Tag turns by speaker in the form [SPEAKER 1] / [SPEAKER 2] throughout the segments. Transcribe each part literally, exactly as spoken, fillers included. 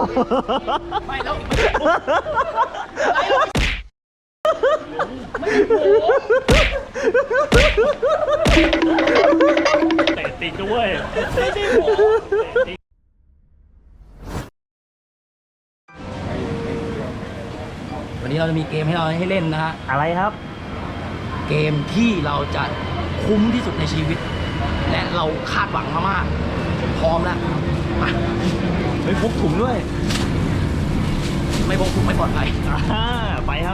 [SPEAKER 1] ไม่แล้วไม่โอ้เตะติดด้วยไม่ใช่โหวันนี้เราจะมีเกมให้เราให้เล่นนะฮะอะไรครับเกมที่เราจะคุ้มที่สุดในชีวิตและเราคาดหวังมามากพร้อมแล้วมาไม่พกถุงด้วยไม่พกถุงไม่ปลอดภัยไปครับ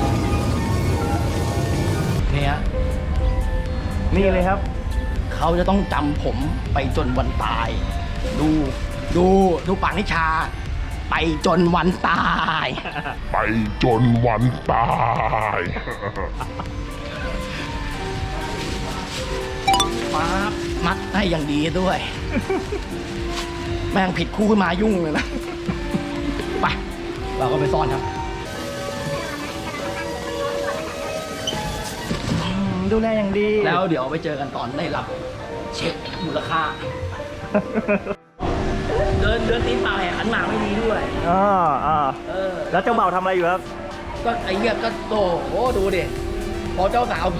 [SPEAKER 1] นี่ฮะนี่เลยครับเขาจะต้องจำผมไปจนวันตายดูดูดูปากนิชาไปจนวันตาย
[SPEAKER 2] ไปจนวันตาย
[SPEAKER 1] ป๊าบมัดให้อย่างดีด้วยแม่งผิดคู่ขึ้นมายุ่งเลยนะไปเราก็ไปซ่อนครับดูแลอย่างดีแล้วเดี๋ยวไปเจอกันตอนได้รับเช็คมูลค่าเดินเดินตีนเปล่าแหกขันหมากไม่มีด้วย
[SPEAKER 3] อ๋ออ๋อ
[SPEAKER 1] เออ
[SPEAKER 3] แล้วเจ้าเบ่าวทำอะไรอยู่ครับ
[SPEAKER 1] ก็ไอ้เหี้ยก็โตโอ้ดูดิพอเจ้าสาว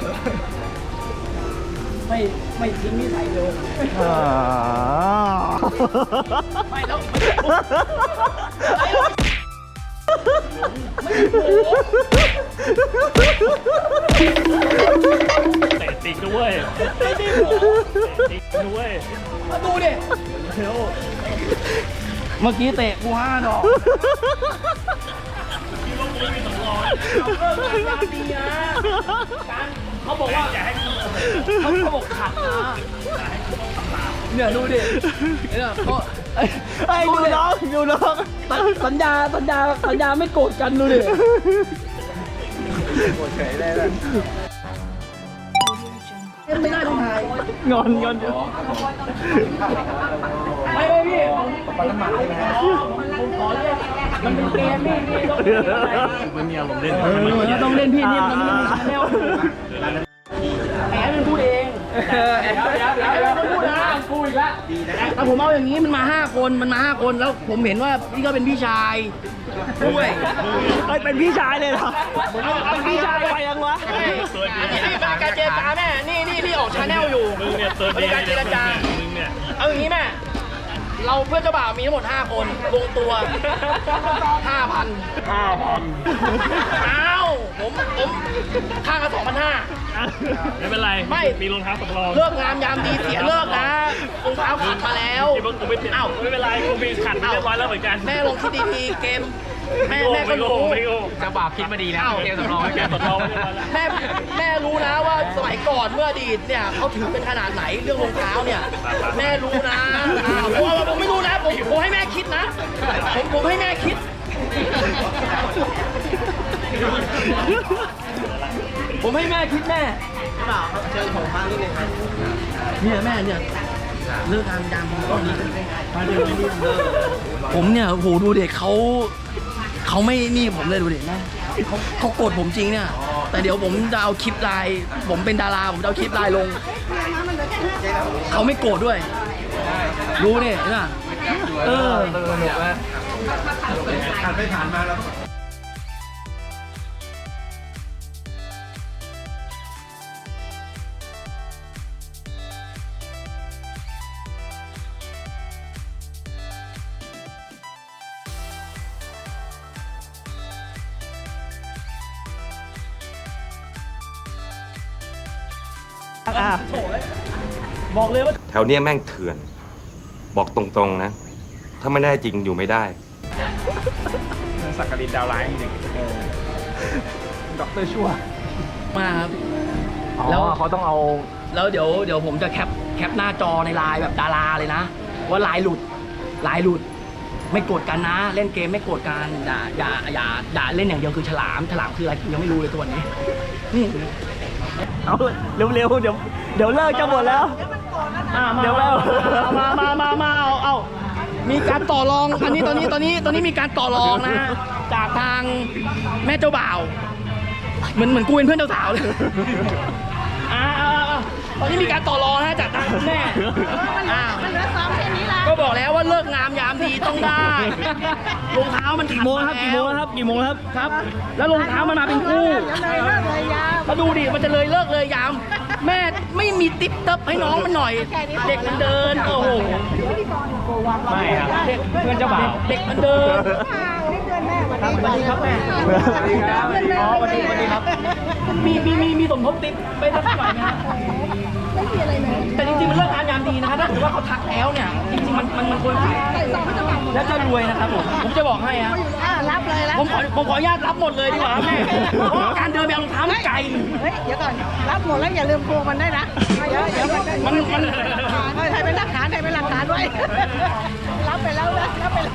[SPEAKER 1] ไม่ไม่ทิ้งนิสัยเลยไม่แล้ว
[SPEAKER 4] เตะติดด้วย
[SPEAKER 1] ไม่ได้หรอ
[SPEAKER 4] เตะติดด้วย
[SPEAKER 1] มาดูดิเมื่อกี้เตะกูห้าดอก
[SPEAKER 4] คิดว่ากูไม่มีสำรอง
[SPEAKER 1] การดีนะการเขาบอกว่า
[SPEAKER 4] อย่าให้กู
[SPEAKER 1] เขาเขาบอกขัดนะเนี่ยดูดิเนี่ยเขา
[SPEAKER 3] ไอ้ดูน้องดูน้อง
[SPEAKER 1] สัญญาสัญญาสัญญาไม่โกรธกันดูดิ
[SPEAKER 3] โกรธเฉยได้เลย
[SPEAKER 1] ไม่ได้ต้องถ่าย
[SPEAKER 3] งอนงอน
[SPEAKER 1] ไม่ไม่พี่ปันน้ำมันใช่ไหมผมขอเรียกมันเป็นเกมพี่พี่ต้อง
[SPEAKER 4] ไม่มีอารมณ์เล่น
[SPEAKER 1] ต้องเล่นพี่นี่มันไม่มีชาแนลแอบเป็นพูดเองแอบแอบแอบเป็นพูดนะพูดอีกแล้วแต่ผมเอาอย่างนี้มันมาห้าคนมันมาห้าคนแล้วผมเห็นว่าพี่ก็เป็นพี่ชายด้วย
[SPEAKER 3] เฮ้ยเป็นพี่ชายเลยเหรอเป็นพี่ชายไปยังวะ
[SPEAKER 1] อันนี้เป็นการเจรจาแม่นี่นี่ที่ออกชาแนลอยู่
[SPEAKER 4] มึงเนี่ยตัวดี
[SPEAKER 1] การเจรจา
[SPEAKER 4] มึงเนี่ย
[SPEAKER 1] เอาอย่างนี้แม่เราเพื่อนเจ้าบ่าวมีทั้งหมดห้าคนลงตัวห้าพัน
[SPEAKER 4] ห้าพัน
[SPEAKER 1] อ้าวผมผมค่ากันสองพันห้า
[SPEAKER 4] ไม่เป็นไร
[SPEAKER 1] ไม่
[SPEAKER 4] มีรองเท้าสำรอง
[SPEAKER 1] เลิกงามยามดีเสียเลิกนะรองเท้าขัดมาแล้ว
[SPEAKER 4] คิดว่ากูไม่อ้าวไม่เป็นไรกูมีขัดเรียบร้อยแล้วเหมือนกัน
[SPEAKER 1] แม่ลงคิดดีๆเกมแม่แม่ก็รู้
[SPEAKER 4] จะบาปคิดมาดีแล้วเกมสำรองเกมสำรอง
[SPEAKER 1] แม่แม่รู้นะว่าสมัยก่อนเมื่ออดีตเนี่ยเขาถือเป็นขนาดไหนเรื่องรองเท้าเนี่ยแม่รู้นะผมผมไม่รู้นะผมผมให้แม่คิดนะผมผมให้แม่คิดผมให้แม่คิดแม่เปล่าครับเชิญผมมานิดนึงครับเนี่ยแม่เนี่ยเลิกงานยามตอนนี้ผมเนี่ยโหดูเด็กเขาเขาไม่นี่ผมเลยดูเด็กนะเขาเขาโกรธผมจริงเนี่ยแต่เดี๋ยวผมจะเอาคลิปไลน์ผมเป็นดาราผมจะเอาคลิปไลน์ลงเขาไม่โกรธด้วยรู้เนี่ยเห็นป่ะเออ
[SPEAKER 3] ผ่านไปผ่านมาแล้ว
[SPEAKER 1] บอกเลยว่า
[SPEAKER 5] แถวเนี้ยแม่งเถื่อนบอกตรงๆนะถ้าไม่ได้จริงอยู่ไม่ได้
[SPEAKER 3] สักกลินดาวไลน์จริงด็อกเตอร์ชั่ว
[SPEAKER 1] มาครับ
[SPEAKER 3] แล้วเขาต้องเอา
[SPEAKER 1] แล้วเดี๋ยวเดี๋ยวผมจะแคปแคปหน้าจอในไลน์แบบดาราเลยนะว่าไลน์หลุดไลน์หลุดไม่โกรธกันนะเล่นเกมไม่โกรธกันอย่าอย่าอย่าด่าเล่นอย่างเดียวคือฉลามฉลามคืออะไรยังไม่รู้เลยตัวนี้นี่
[SPEAKER 3] เอาเร็วๆเดี๋ยวเดี๋ยวเลิกจะหมดแล้ว
[SPEAKER 1] เดี๋ยวแล้วมามามามาเอาเอามีการต่อรองอันนี้ตอนนี้ตอนนี้ตอนนี้มีการต่อรองนะจากทางแม่เจ้าบ่าวเหมือนเหมือนกูเป็นเพื่อนเจ้าสาวเลยอ่าตอนนี้มีการต่อรองนะจากทางคุณแม่อ่ามันเหลือสองแค่นี้ละก็บอกแล้วว่าเลิกงามยามดีต้องได้รองเท้ามัน
[SPEAKER 4] กี่โมงครับกี่โมงครับกี่โมงครับ
[SPEAKER 1] ครับ แล้วรองเท้ามันมาเป็นคู่มาดูดิมันจะเลยเลิกเลยยาม แม่ไม่มีติ๊บเติบให้น้องมันหน่อย เด็กมันเดินโอ้โห
[SPEAKER 4] ไม่ครับเพื่อนเจ้าบ่าว
[SPEAKER 1] เด็กมันเดินครับสวัสดีครับแม่อ๋อสวัสดีสวัสดีครับ มีมีมีมีสมทบติ๊บไปสักหน่อยไหมฮะแต่จริงๆมันเลิกงามยามดีนะครับถ้าถือว่าเขาทักแล้วเนี่ยจริงๆมันมันมันควรขายแล้วจะรวยนะครับผมผมจะบอกให้ฮะ
[SPEAKER 6] รับเลยรับ
[SPEAKER 1] ผมขอผมขออนุญาตรับหมดเลยดีกว่าแม่เพราะว่าการเดินไปเอารองเท้ามันไกล
[SPEAKER 6] เฮ้ยเดี๋ยวก่อนรับหมดแล้วอย่าลืมพวงมันได้วยนะเดี๋ยวเดี๋ยวมัน
[SPEAKER 1] มันมัน
[SPEAKER 6] เฮ้ยให้เป็นหลักฐานให้เป็นหลักฐานไว้รับไปแล้วนะรับไปแล้ว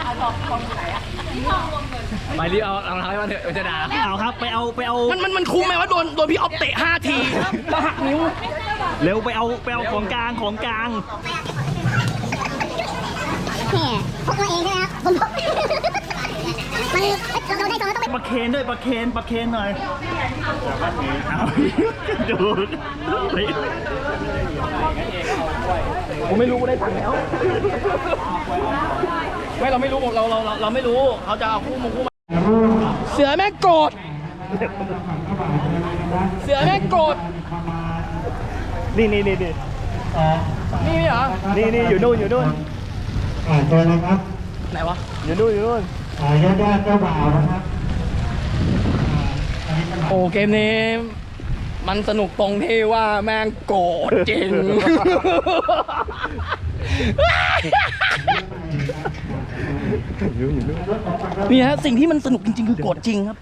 [SPEAKER 4] ไปรีบเอารองเท้าให้มันเถอะจะด่าเอาครับไปเอาไปเอา
[SPEAKER 1] มันมันมันคุ้มไหมว่าโดนโดนพี่ออฟเตะห้าทีแล้วหักนิ้ว
[SPEAKER 4] เร็วไปเอาไปเอาของกลางของกลาง
[SPEAKER 7] เนี่ยพกมาเองใช่ไหมครับผมพกมันเราได้สองเราต้องไป
[SPEAKER 4] ปลาเคนด้วยปลาเคนปลาเคนหน่อยเอาดู
[SPEAKER 1] ผมไม่รู้ได้ตังค์แล้วไม่เราไม่รู้เราเราเราเราไม่รู้เขาจะเอาคู่มงคู่มาเสือแม่งโกรธเสือแม่งโกรธ
[SPEAKER 4] นี่นี่นี่นี่
[SPEAKER 1] นี่เหรอ
[SPEAKER 4] นี่นี่อยู่นู่นอยู่นู่น
[SPEAKER 8] อ่าเชิญเลยครับ
[SPEAKER 1] ไหนวะ
[SPEAKER 4] อยู่นู่นอยู่นู่น
[SPEAKER 8] อ่าญาติญาติเจ้าบ่าวนะครับ
[SPEAKER 1] โอ้เกมนี้มันสนุกตรงที่ว่าแม่งโกรธจริง นี่ฮะสิ่งที่มันสนุกจริงๆคือโกรธจริงครับ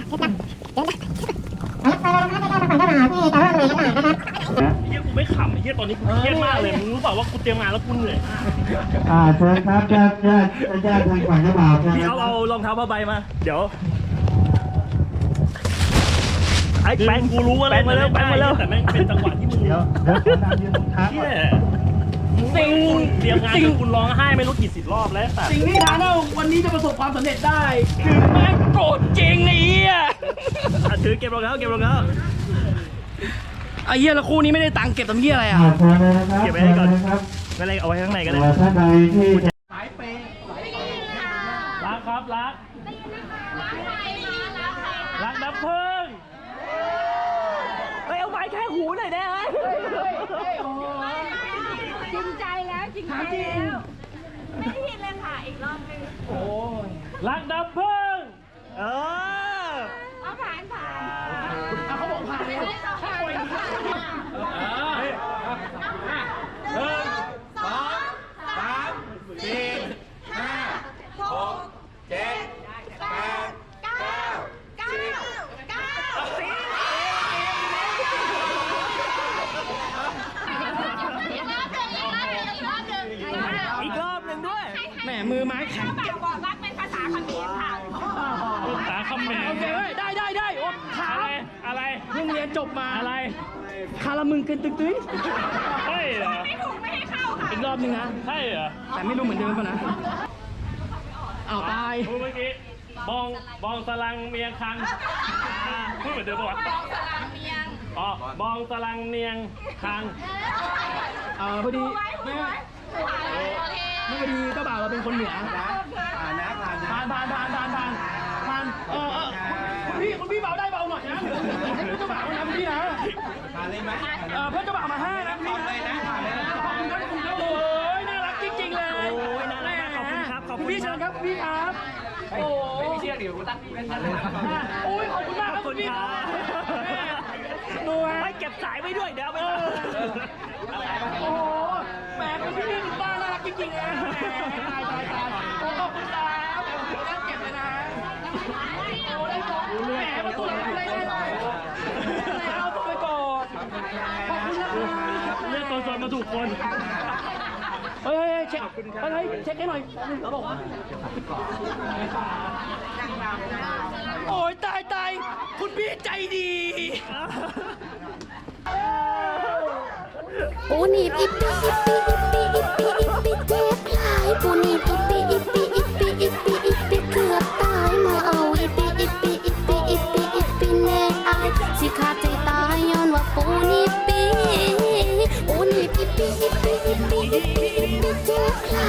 [SPEAKER 4] เฮียกูไม่ขำไอ้เฮียตอนนี้กูเครียดมากเลยมึงรู้เปล่าว่ากูเตรียมงานแล้วกูเหนื่อย
[SPEAKER 8] อ่าเชิญครับญาติญาติญาติทางฝั่งเจ้าบ่าวเชิญ
[SPEAKER 4] พี่
[SPEAKER 8] ครั
[SPEAKER 4] เอา
[SPEAKER 8] บ
[SPEAKER 4] เอารองเท้าผ้าใบมาเดี๋ยวไอ้แป้งกูรู้ว่าแป้งมาแล้วแป้งมาแล้วแต่แม่งเป็นจังหวะที่มึง
[SPEAKER 8] เดี๋ยวเดี๋ยวขอตามยืนตรงเท้า
[SPEAKER 4] เฮี
[SPEAKER 8] ก่อน
[SPEAKER 4] ย
[SPEAKER 1] สิ่ง
[SPEAKER 4] เตรียมงานจนคุณร้องไห้ไม่รู้กี่สิบรอบแล้วแต่
[SPEAKER 1] สิ่งที่ทางเราวันนี้จะประสบความสำเร็จได้ คือแม่งโกรธจริงไอ้เหี้ย
[SPEAKER 4] อ่ะถือเก็บรองเท้าเก็บรองเท้า
[SPEAKER 1] ไอ้เหี้ยแล้วคู่นี้ไม่ได้ตังค์เก็บทำเหี้ยอะไรอ่ะ
[SPEAKER 8] อ่าเชิญเลยนะครับ
[SPEAKER 4] เก็บไว้ให้ก่อน
[SPEAKER 8] เชิญเลยครับ
[SPEAKER 4] ไม่เป็นไรเอาไว้ข้างในก็ได้
[SPEAKER 8] อ่าท่านใดที่จะ
[SPEAKER 4] รักครับรักรักน้ำพึ่งเฮ้ยเอาไว้แค่หูหน่อยได้ไหม
[SPEAKER 6] จริงใจแล้วจริงใจแล้วไม่ได้ยินเลยค่ะอีกรอบนึง
[SPEAKER 4] รักน้ำพึ่งเออ
[SPEAKER 6] เอาผ่านผ่าน
[SPEAKER 1] เขาบอกผ่านเลย
[SPEAKER 4] หนึ่งสองสามสี่ห้าหกเจ็ดแปด
[SPEAKER 6] เก้าเก้าเก้าสิบ
[SPEAKER 4] อีกรอบหนึ่งด้วย
[SPEAKER 1] แหมมือไม้แข็ง
[SPEAKER 6] บอกรักเป็นภาษาเขมรค่ะ
[SPEAKER 4] ภาษาคำเขม
[SPEAKER 1] โอเค
[SPEAKER 4] ร
[SPEAKER 1] เว้ยได้ได้ได้โอ้ขา
[SPEAKER 4] อะไรอะไร
[SPEAKER 1] เพิ่งเรียนจบมา
[SPEAKER 4] อะไร
[SPEAKER 1] คารามึงเกินตึ๊กตึ๊ย
[SPEAKER 4] ใช่เหรอ
[SPEAKER 6] ไม่ถูกไม่ให้เข้าค่ะ
[SPEAKER 1] อีกรอบนึงนะ
[SPEAKER 4] ใช่เหรอ
[SPEAKER 1] แต่ไม่รู้เหมือนเดิมป่ะนะอ้าวตาย
[SPEAKER 4] พูดเมื่อกี้บองบองสลังเมียงคังอ่าพูดเหมือนเดิมปะวะอ๋อบองสลังเนียงคัง
[SPEAKER 1] เออพอดีแม่ไม่พอดีเจ้าบ่าวเราเป็นคนเหนือผ่านนะผ่านผ่านผ่านผ่านผ่านผ่านผ่านเออเออคุณพี่คุณพี่เบาได้เบาหน่อยนะให้เพื่อนเจ้าบ่าวนะคุณพี่นะผ่านเลยไหมเออเพื่อนเจ้าบ่าวมาห้านะพี่นะผ่านเลยนะผ่านเลยนะโอ้ยน่ารักจริงๆเลย
[SPEAKER 4] โอ้ยน่ารักมากขอบคุณครับขอบคุณ
[SPEAKER 1] พี่เชิญครับพี่ครับโอ้ยไม่เชื่อเดี๋ยวกูตั้งโอ้ยขอบคุณมากครับคุณพี่ดูฮะ
[SPEAKER 4] ไม่เก็บสายไว้ด้วยเดี๋ยวเอาไป
[SPEAKER 1] โอ้โหแหมคุณพี่นี่บ้าน่ารักจริงๆนะตายตายตายโอ้ขอบคุณครับนั่งเก็บเลยนะโอ้ได้ของแหมมาตัวอะไรได้เลยเอาตัวไปก่อนขอบคุณนะครับ
[SPEAKER 4] เลือกตัวตนมาถูกคน
[SPEAKER 1] เฮ้ยเช็คเฮ้ยเช็คให้หน่อยเขาบอกว่าโอ้ยตายตายคุณพี่ใจดี
[SPEAKER 7] ปูนีบอิปปี้อิปปี้อิปปี้อิปปี้อิปปี้เจ็บหลายปูนีบอิปปี้อิปปี้อิปปี้อิปปี้อิปปี้เกือบตายมาเอาอิปปี้อิปปี้อิปปี้อิปปี้อิปปี้แน่อายสิขาดใจตายย้อนว่าปูนีบปีปูนีบอิปปี้อิปปี้อิปปี้อิปปี้อิปปี้เจ็บหลา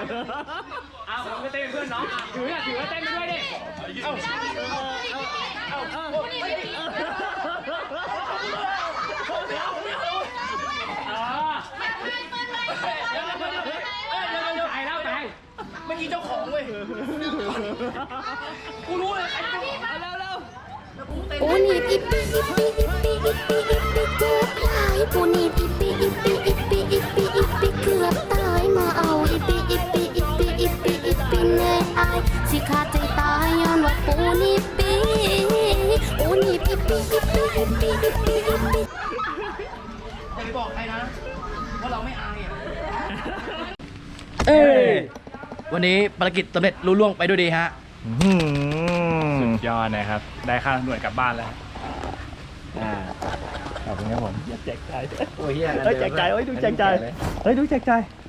[SPEAKER 3] อ้าวผมจะเต้นเป็นเพื่อนน้องอ่ะถืออ่ะถือว่าเต้นไปด้วยดิเอ้าเอ้าเอ้าตายแล้วตาย
[SPEAKER 1] เมื่อกี้เจ้าของเว้ย กูรู้เลยใครเจ้าของเร็วเร็ว
[SPEAKER 7] ปูนีบอิปปี้อิปปี้อิปปี้อิปปี้อิปปี้เจ็บหลายปูนีบอิปปี้อิปปี้อิปปี้อิปปี้อิปปี้เกือบตายมาเอาอิปปี้อิปปี้อิปปี้อิปปี้อิปปี้แน่อายสิขาดใจตายย้อนว่าปูนีบปีปูนีบอิปปี้อิปปี้อิปปี้อิปปี้อิปปี้
[SPEAKER 1] อย่าไปบอกใครนะ ว่าเราไม่อายอ่ะ
[SPEAKER 3] เอ้ย
[SPEAKER 1] วันนี้ภารกิจสำเร็จรุ่ล่วงไปด้วยดีฮะ
[SPEAKER 3] สุดยอดนะครับ ได้ค่าหน่วยกลับบ้านแล้วอ่าขอบคุณครับผมแจกใจ
[SPEAKER 1] โอ้ยเฮีย
[SPEAKER 3] เฮ้ยแจกใจเฮ้ยดูแจกใจเฮ้ยดูแจกใจ